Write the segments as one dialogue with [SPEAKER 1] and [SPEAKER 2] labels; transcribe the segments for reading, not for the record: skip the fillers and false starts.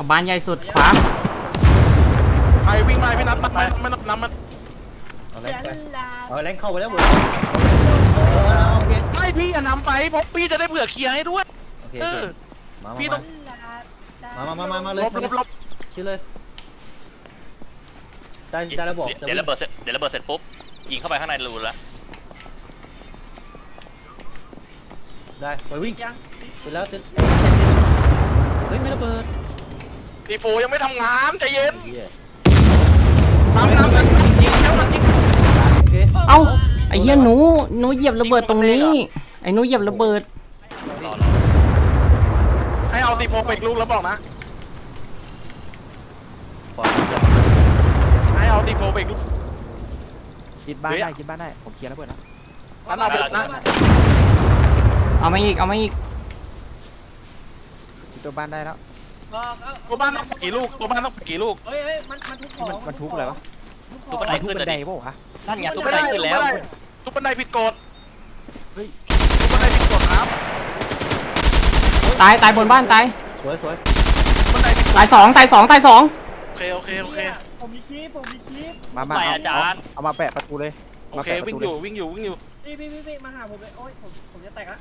[SPEAKER 1] เอาบ้านใหญ่สุดขวา
[SPEAKER 2] ไปวิ่งไปพี่นัทไม่น้ำมัน
[SPEAKER 3] เอาแรงเข้าไปแล้วเว้ยโอเค
[SPEAKER 2] ไม่พี่อย่านำไปเพราะพี่จะได้เผื่อเคลียร์ให้ด้วย
[SPEAKER 3] โอเคมา
[SPEAKER 2] พี่ต้อง
[SPEAKER 3] มาเลย
[SPEAKER 2] ลบ
[SPEAKER 3] ชี้เลยได้แล้วบอก
[SPEAKER 4] เดี๋ยวระเบิดเสร็จปุ๊บยิงเข้าไปข้างในรูแล้ว
[SPEAKER 3] ได้ไปวิ่งเสร็จแล้วเฮ้ยไม่ระเบิด
[SPEAKER 2] ตีโฟยังไม่ทำงานใจเย็นน้ำยิงแล้วมันยิง
[SPEAKER 1] เอ้าไอ้เหี้ยหนูเหยียบระเบิดตรงนี้ไอ้หนูเหยียบระเบิด
[SPEAKER 2] ให้เอาตีโฟไปลูกแล้วบอกนะให้เอาตีโฟไปลูก
[SPEAKER 5] คิดบ้านได้ผมเคลียร์แล้วเปิดนะ
[SPEAKER 2] นั่นเอาไปนะ
[SPEAKER 1] เอามาอีก
[SPEAKER 5] ตัวบ้านได้แล้ว
[SPEAKER 2] ตัวบ้านต้องกี่ลูก
[SPEAKER 6] เฮ้ยมันทุบ
[SPEAKER 5] อะไรวะ
[SPEAKER 4] ทุบบันไดขึ้นเลยดิ
[SPEAKER 5] ป่าวะ
[SPEAKER 4] นั่นไงทุบบันไดขึ้นแล้ว
[SPEAKER 2] ทุบบันไดผิดกฎทุบบันไดผิดกฎครับ
[SPEAKER 1] ตายบนบ้านตาย
[SPEAKER 3] สวย
[SPEAKER 2] บันไดผิดกฎ
[SPEAKER 1] ตายสอง
[SPEAKER 2] โอเค
[SPEAKER 6] ผมมีคลิป
[SPEAKER 5] มา
[SPEAKER 4] อาจารย์
[SPEAKER 5] เอามาแปะประตูเลย
[SPEAKER 2] โอเควิ่งอยู่
[SPEAKER 6] พี่มาหาผมเลยโอ้ยผมจะแตกละ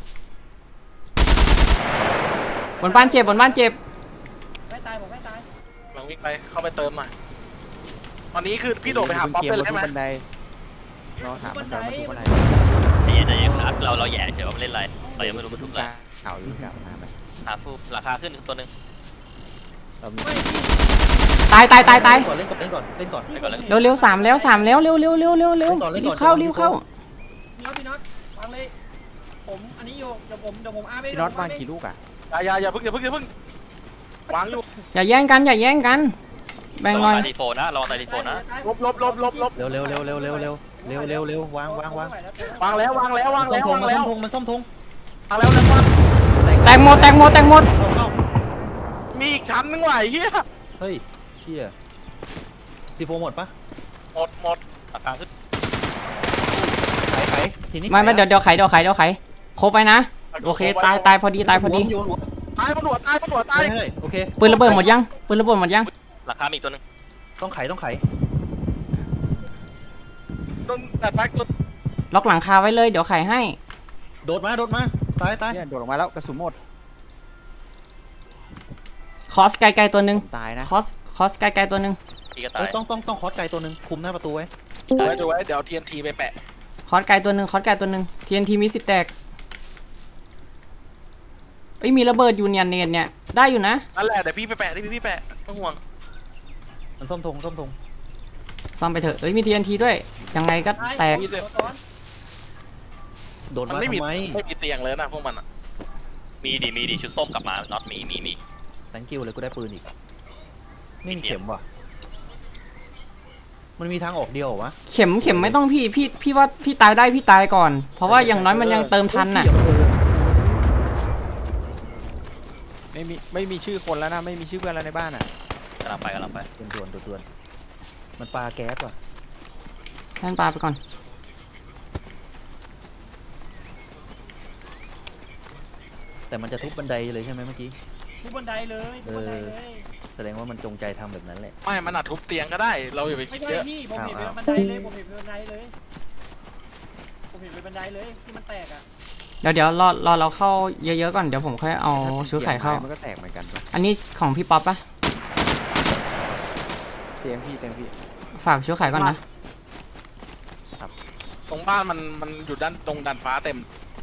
[SPEAKER 1] บนบ้านเจ็บ
[SPEAKER 6] ไม่ตายผมไม่ตาย
[SPEAKER 2] หลังวิ่งไปเข้าไปเติมหน่อยตอนนี้คือพี่โดดไปหาป๊อปเลยใช่ไหม
[SPEAKER 5] รอถามมันก่อนมาทุบบันได
[SPEAKER 4] ใจเย็นนัดเราแย่เฉยว่าเล่นอะไรเรายังไม่รู้มันทุบอะไร
[SPEAKER 5] เอาอยู่ครับ
[SPEAKER 4] หาฟูราคาขึ้นตัวนึง
[SPEAKER 1] ตาย
[SPEAKER 3] ก่อนเล่นก่อน
[SPEAKER 1] เร็ว3แล้วเร็วรีบเข้า
[SPEAKER 6] พี่น็อตวางเลยผมอันนี้โยกเดี๋ยวผมอาร์ไม่
[SPEAKER 5] พี่น็อตวางกี่ลูกอ่ะ
[SPEAKER 2] อย่าเพิ่งวางอยู่
[SPEAKER 1] อย่าแย่งกันแบ่งหน่อย
[SPEAKER 4] ตีโฟนะลองตีโฟนะ
[SPEAKER 2] ลบ
[SPEAKER 3] เร็ววาง
[SPEAKER 2] แล้ว
[SPEAKER 3] มันซ่อมธง
[SPEAKER 2] แล้ว
[SPEAKER 3] ว
[SPEAKER 1] แตกหมด
[SPEAKER 2] มีอีกชั้นนึงว่ะเฮีย
[SPEAKER 3] เฮ้ยเชี่ยซีโฟหมดปะ
[SPEAKER 2] หมด
[SPEAKER 4] ราคาขึ้น
[SPEAKER 3] ไขทีนี้
[SPEAKER 1] ไม่เดี๋ยวไขครบไปนะโอเคตายพอดี
[SPEAKER 2] ตายมันหัวตาย
[SPEAKER 3] โอเค
[SPEAKER 1] ปืนระเบิดหมดยัง
[SPEAKER 4] ราคามีอีกตัวนึง
[SPEAKER 3] ต้องไข
[SPEAKER 2] โดนแต่แฟกต์
[SPEAKER 1] ล็อกหลังคาไว้เลยเดี๋ยวไขให้
[SPEAKER 3] โดดมาตาย
[SPEAKER 5] เนี่ยโดดออกมาแล้วกระสุนหมด
[SPEAKER 1] คอสไกลตัวนึง
[SPEAKER 5] ตายนะ
[SPEAKER 1] คอสไกลตัวนึง
[SPEAKER 3] ต้องคอสไกลตัวนึงคุมหน้าประตูไว้
[SPEAKER 2] ดูไว้เดี๋ยว TNT ไปแปะ
[SPEAKER 1] คอสไกลตัวนึง TNT มี10แตกมีระเบิดอยู่เนี่ยได้อยู่นะ
[SPEAKER 2] นั่นแหละเดี๋ยวพี่ไปแปะพี่แปะไม่ห่วง
[SPEAKER 3] มันซ่อมธง
[SPEAKER 1] ซ่อมไปเถอะมี TNT ด้วยยังไงก็แตก
[SPEAKER 3] โดนมา
[SPEAKER 2] ไม่มีเตียงเลยนะพวกมัน
[SPEAKER 4] มีดีชุดส้มกลับมาน็อตมี
[SPEAKER 3] thank you เลยกูได้ปืนอีกไม่มีเข็มว่ะมันมีทางออกเดียววะ
[SPEAKER 1] เข็มไม่ต้องพี่ว่าพี่ตายได้พี่ตายก่อนเพราะว่าอย่างน้อยมันยังเติมทันน่ะ
[SPEAKER 5] ไม่มีชื่อคนแล้วนะไม่มีชื่อเพื่อนแล้วในบ้านอ่ะ
[SPEAKER 4] กำลังไป
[SPEAKER 3] ด่วนมันปาแก๊สว่ะ
[SPEAKER 1] ท่านปาไปก่อน
[SPEAKER 3] แต่มันจะทุบบันไดเลยใช่ไหมเมื่อกี้
[SPEAKER 6] ทุบบันไดเลย
[SPEAKER 3] แสดงว่ามันจงใจทำแบบนั้นแหละ
[SPEAKER 2] ไม่มันอาจทุบเตียงก็ได้เราอย่าไปคิดเยอะ
[SPEAKER 6] พี่ผมเห็นเป็นบันไดเลยที่มันแตกอ่ะ
[SPEAKER 1] เดี๋ยวรอเราเข้าเยอะๆก่อนเดี๋ยวผมค่อยเอาชุดไข่เข้า
[SPEAKER 5] มันก็แตกเหมือนกัน
[SPEAKER 1] อันนี้ของพี่ป๊อปปะ
[SPEAKER 5] เตียงพี่
[SPEAKER 1] ฝากชุดไข่ก่อนนะ
[SPEAKER 2] ตรงบ้านมันอยู่ด้านตรงดันฟ้าเต็ม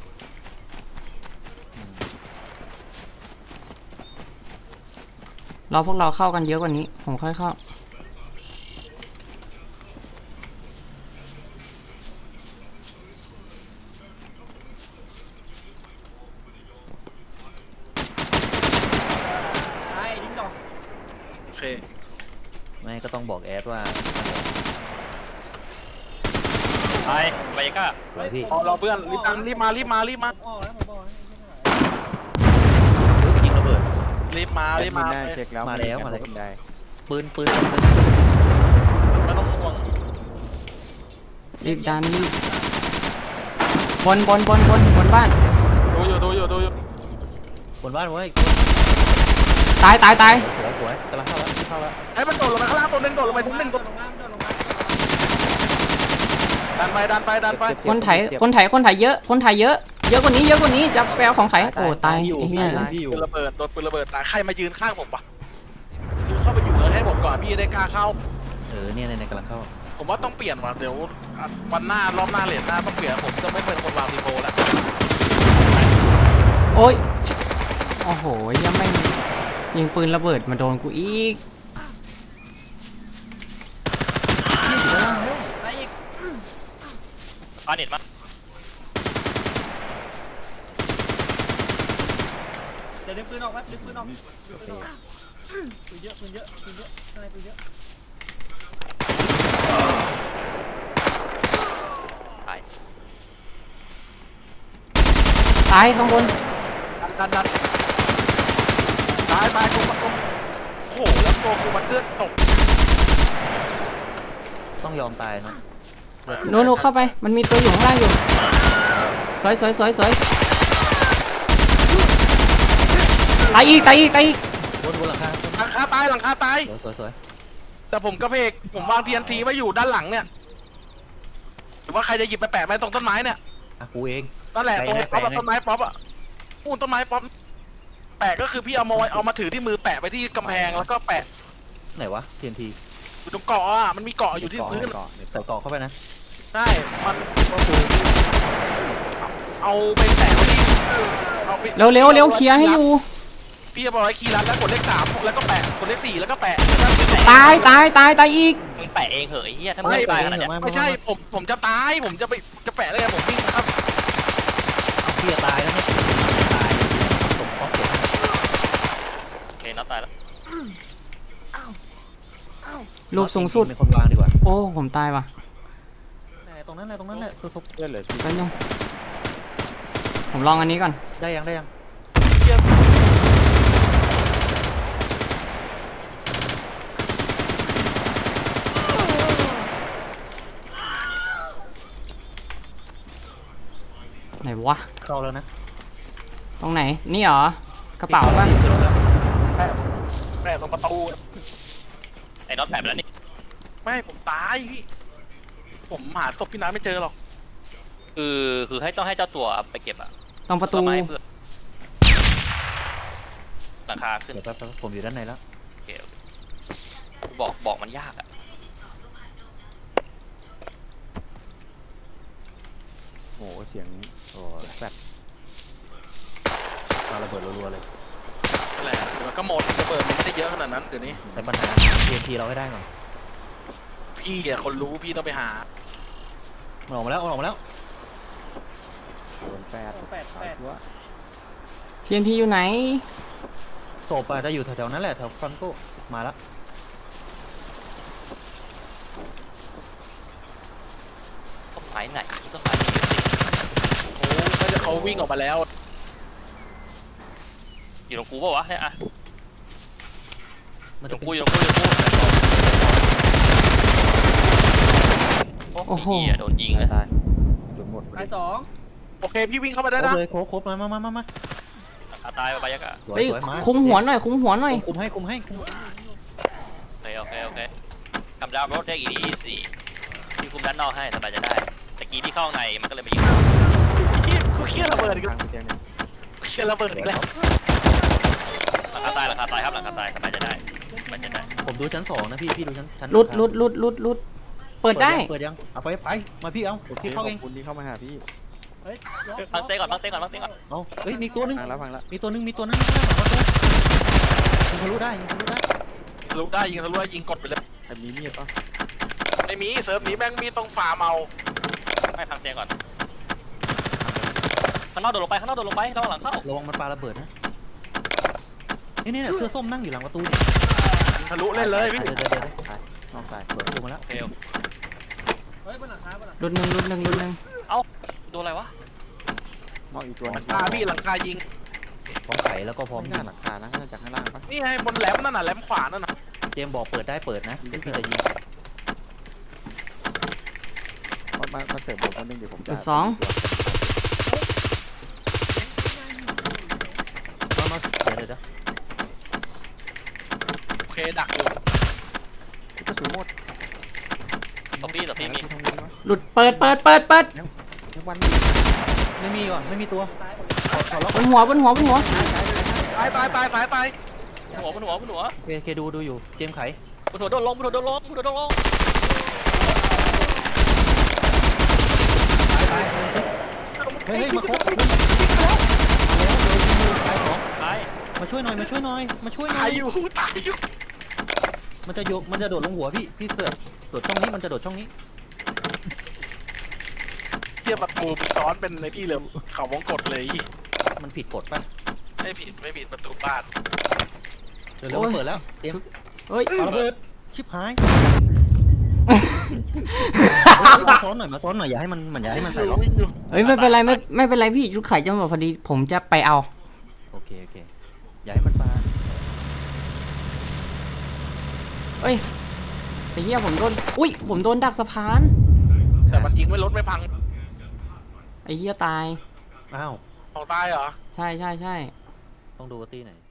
[SPEAKER 1] พวกเราเข้ากันเยอะกว่านี้ผมค่อยเข้า
[SPEAKER 2] โอเค
[SPEAKER 3] ไม่ก็ต้องบอกแอดว่า
[SPEAKER 4] ไปก้า
[SPEAKER 3] พี่
[SPEAKER 2] เราเพื่อนรีบมา
[SPEAKER 3] ยิงระเบิด
[SPEAKER 2] รีบมา
[SPEAKER 5] เช็คแล้ว
[SPEAKER 3] มาแล้วปืน
[SPEAKER 2] ไม่ต้องห่วง
[SPEAKER 1] รีบดันบนบ้าน
[SPEAKER 2] ดูอยู่
[SPEAKER 3] บนบ้านไว้
[SPEAKER 1] ตาย
[SPEAKER 3] สวยกำลังเข้าแล้ว
[SPEAKER 2] ไอ้มันโดดลงมาข้างล่างตัวหนึงโดดลงไปตัวหนึง
[SPEAKER 6] โดดลงมาโดดลงมา
[SPEAKER 2] ดันไป
[SPEAKER 1] คนไถเยอะคนไถเยอะกว่านี้จะแปลของใครโอ้ตายไอ้เหี้ย
[SPEAKER 5] พี่อยู่
[SPEAKER 2] ปืนระเบิดโดนปืนระเบิดตายใครมายืนข้างผมปะดูเข้าไปอยู่เลยให้หมดก่อนพี่จะได้กล้าเข้า
[SPEAKER 3] เนี่ยกำลังเข้า
[SPEAKER 2] ผมว่าต้องเปลี่ยนว่ะเดี๋ยววันหน้ารอบหน้าเหรียญหน้าต้องเปลี่ยนผมจะไม่เป็นคนวางดีโฟแล้ว
[SPEAKER 1] โอ้ยโอ้โหยังไม่ยิงปืนระเบิดมาโดนกูอีก
[SPEAKER 6] ไปอีก
[SPEAKER 4] ปาเน็ตมั้ย
[SPEAKER 6] เดี๋ยวดึงปืนออกดึงปืนออกปืนเยอะข้างในปืนเยอะ
[SPEAKER 4] ตาย
[SPEAKER 1] ตายข้างบน
[SPEAKER 2] ดันตายกูโอ้โหแล้วตัวกูมันเลือดตก
[SPEAKER 3] ต้องยอมตายเนาะ
[SPEAKER 1] โนเข้าไปมันมีตัวอยู่ข้างล่างอยู่สวยตายอีก
[SPEAKER 3] บนหลังคา
[SPEAKER 2] หลังคาตาย
[SPEAKER 3] สวย
[SPEAKER 2] แต่ผมกระเพกผมวาง TNT ไว้อยู่ด้านหลังเนี่ยหรือว่าใครจะหยิบไปแปะไว้ตรงต้นไม้เนี่ย
[SPEAKER 3] กูเอง
[SPEAKER 2] นั่นแหละตรงป๊อปต้นไม้ป๊อปอ่ะปูนต้นไม้ป๊อปแปะก็คือพี่เอามาถือที่มือแปะไปที่กำแพงแล้วก็แปะ
[SPEAKER 3] ไหนวะ TNT
[SPEAKER 2] อยู่ตรงเกาะอ่ะมันมีเกาะอยู่ที่พื้น
[SPEAKER 3] ใส่กรอกเข้าไปนะ
[SPEAKER 2] ใช่มันเอาไปแปะไว้ที่เอาไป
[SPEAKER 1] เร็วเคลียร์ให้อยู่
[SPEAKER 2] พี่จะบอกไว้คีย์ลัดแล้วกดเลข3แล้วก็แปะกดเลข4แล้วก็แปะ
[SPEAKER 1] ตายอีก
[SPEAKER 4] มึงแปะเองเหอะไอ้เหี้ยถ้ามึงไม่ตายขนาดเนี้ย
[SPEAKER 2] ไม่ใช่ผมจะตายผมจะแปะได้ไงผมวิ่งนะครับ
[SPEAKER 3] พี่จะตายแล้วไม่ตายผมป๊อกเก็บ
[SPEAKER 4] โอเคน็อตตายแล้ว
[SPEAKER 1] ลูกสูงสุด
[SPEAKER 3] เป็นคนวางดีกว่า
[SPEAKER 1] โอ้ผมตายว่ะ
[SPEAKER 3] ตรงนั้นแหละสุด
[SPEAKER 5] เลือดเหลือสี่
[SPEAKER 1] แป๊บนึงผมลองอันนี้ก่อน
[SPEAKER 3] ได้ยัง
[SPEAKER 1] ไหนวะ
[SPEAKER 3] เข้าแล้วนะ
[SPEAKER 1] ตรงไหนนี่เหรอ กระเป๋าป่ะ
[SPEAKER 2] แปะตรงประตู
[SPEAKER 4] ไอ้น็อตแปะไปแล้วนี่
[SPEAKER 2] ไม่ผมตายพี่ผมหาศพพี่น้ำไม่เจอหรอก
[SPEAKER 4] คือให้ต้องให้เจ้าตัวไปเก็บอะ
[SPEAKER 1] ตรงประตู
[SPEAKER 4] ต้นไม้เพื่อหลังคาขึ้น
[SPEAKER 3] เดี๋ยวแป๊บผมอยู่ด้านในแล้ว
[SPEAKER 4] โอเคบอกมันยากอะ
[SPEAKER 5] โอ้โหเสียงโอ้แฟดปาระเบิดรัวๆเลย
[SPEAKER 2] นั่นแหละมันก็หมดระเบิดมันไม่ได้เยอะขนาดนั้นเดี๋ยวนี้
[SPEAKER 3] แต่ปัญหา TNT เราให้ได้ก่อน
[SPEAKER 2] พี่อ่ะคนรู้พี่ต้องไปหา
[SPEAKER 3] มันออกมาแล้ว
[SPEAKER 5] โดนแฟดสายตัว
[SPEAKER 1] TNT อยู่ไหน
[SPEAKER 3] ศพอาจจะอยู่แถวๆนั้นแหละแถวฟรอนโก้มาแล้ว
[SPEAKER 4] ต้นไม้ไหนต้นไม้มีอยู่สิ
[SPEAKER 2] โอ้น่าจะเขาวิ่งออกมาแล้ว
[SPEAKER 4] อยู่ตรงกูป่าวะเนี่ยอะ
[SPEAKER 3] มัน
[SPEAKER 4] ตร
[SPEAKER 3] จะ
[SPEAKER 4] ง
[SPEAKER 3] เป็น
[SPEAKER 4] กู
[SPEAKER 1] โอ้โห
[SPEAKER 4] เหี้ยโดนยิงเลย
[SPEAKER 5] ตายโดนหมด
[SPEAKER 6] ตาย2
[SPEAKER 2] โอเคพี่วิ่งเข้ามาได้
[SPEAKER 3] ครบ
[SPEAKER 2] นะ
[SPEAKER 3] เลยครบมา
[SPEAKER 4] ตายไปยักษ์อะ
[SPEAKER 3] สวย
[SPEAKER 1] เฮ้ย
[SPEAKER 3] มา
[SPEAKER 1] คุมหัวหน่อย
[SPEAKER 3] คุมให้
[SPEAKER 4] โอเคทำดาวรถได้อีกดีสิพี่คุมด้านนอกให้สบายจะได้ตะกี้พี่เข้าในมันก็เลยมายิง
[SPEAKER 2] กูเครียดระเบิดอีก
[SPEAKER 5] ทา
[SPEAKER 2] แล้ว
[SPEAKER 5] งเตียงเนี่ย
[SPEAKER 2] เครียดระเบิดอีกแล้ว
[SPEAKER 4] หลังคาตายครับหลังคาตายสบายจะได้มันจะได้
[SPEAKER 3] ผมดูชั้น2นะพี่ดูชั้น
[SPEAKER 1] ลุดเปิดได้
[SPEAKER 3] เปิดยังเอาไปมาพี่เอา
[SPEAKER 5] โอเค
[SPEAKER 3] พี่เข้า
[SPEAKER 5] ข
[SPEAKER 3] เอ
[SPEAKER 5] อง บคุณที่เข้ามาหาพี่
[SPEAKER 6] เฮ้ย
[SPEAKER 4] พังเต้ก่อน
[SPEAKER 3] เอาเฮ้ยมีตัวนึง
[SPEAKER 5] พังแล้ว
[SPEAKER 3] มีตัวนึงยิงทะลุได้
[SPEAKER 2] ยิงทะลุได้ยิงกดไปเลย
[SPEAKER 5] แต่มีมีดป่ะ
[SPEAKER 2] ไม่มีเซิร์ฟนี้แม่งมีต้องฟาร์มเอา
[SPEAKER 4] ไม่พังเต้ก่อนข้างนอกโดดลงไประวังหลังเข้า
[SPEAKER 3] ระวังมันปาระเบิดนะนี่เสื้อส้มนั่งอยู่หลังประตู
[SPEAKER 2] ยิงทะลุเล่นเลยพี่
[SPEAKER 3] เดี๋ยว
[SPEAKER 5] ตายน้องตาย
[SPEAKER 3] เปิดประตูมาแล้ว
[SPEAKER 4] โอเค
[SPEAKER 6] เฮ้ยบนหลังคา
[SPEAKER 1] ลุดหนึ่ง
[SPEAKER 4] โดนอะไรวะ
[SPEAKER 5] มองอีกตัว
[SPEAKER 2] หลั
[SPEAKER 5] นึ
[SPEAKER 2] ง
[SPEAKER 5] ง
[SPEAKER 2] คาพี่หลังคายิง
[SPEAKER 3] พร้อมไขแล้วก็พร้อม
[SPEAKER 5] ไม่
[SPEAKER 3] ยิ
[SPEAKER 5] น่าง หลังคานะน่าจะจากข้างล่างป่ะ
[SPEAKER 2] นี่ไงบนแหลมนั่นน่ะแหลมขวานั่นน่ะ
[SPEAKER 3] เจมบอกเปิดได้เปิดนะพี่จะยิง
[SPEAKER 5] มาเสิร์ฟผมคนนึงเดี๋ยวผมจะ
[SPEAKER 1] สอง
[SPEAKER 3] มาเดี๋ยว
[SPEAKER 2] เคดักอยู่
[SPEAKER 5] กระสุนหมด
[SPEAKER 4] ตบพี่มี
[SPEAKER 5] กูทำไงวะ
[SPEAKER 1] หลุดเปิด
[SPEAKER 5] ยังวัน
[SPEAKER 3] ไม่มีว่ะไม่มีตัว
[SPEAKER 1] บนหัว
[SPEAKER 2] ตายตายตายตาย
[SPEAKER 4] หัวบนหัว
[SPEAKER 3] โอเคดูอยู่เกมไข
[SPEAKER 4] บนหัวโดนลง
[SPEAKER 3] ตายเฮ้ยมาครบตายสอง
[SPEAKER 4] ตาย
[SPEAKER 3] มาช่วยหน่อย
[SPEAKER 2] ตายอยู่ตายอยู่
[SPEAKER 3] มันจะโดดลงหัวพี่เสือกโดดช่องนี้มันจะโดดช่องนี้
[SPEAKER 2] เทียบประตูซ้อนเป็นในพี่เลยเขาวงกดเลย
[SPEAKER 3] มันผิดกฎป่ะ
[SPEAKER 2] ไม่ผิดประตูบ้าน
[SPEAKER 3] เดี๋ยวเปิดแล้วเกม
[SPEAKER 1] เฮ้ย
[SPEAKER 3] เอาระเบิดชิบหายมาซ้อนหน่อยอย่าให้มันใส่ล็อก
[SPEAKER 1] เฮ้ยไม่เป็นไรไม่เป็นไรพี่ชุดไข่จะหมดพอดีผมจะไปเอา
[SPEAKER 3] โอเคอย่าให้มันปา
[SPEAKER 1] เอ้ยไอ้เหี้ยผมโดนผมโดนดักสะพาน
[SPEAKER 2] แต่มันยิงไม่ลดไม่พัง
[SPEAKER 1] ไอ้เหี้ยตาย
[SPEAKER 3] อ้าว
[SPEAKER 2] เอาตายเหรอ
[SPEAKER 1] ใช่
[SPEAKER 3] ต้องดูว่าตีไหน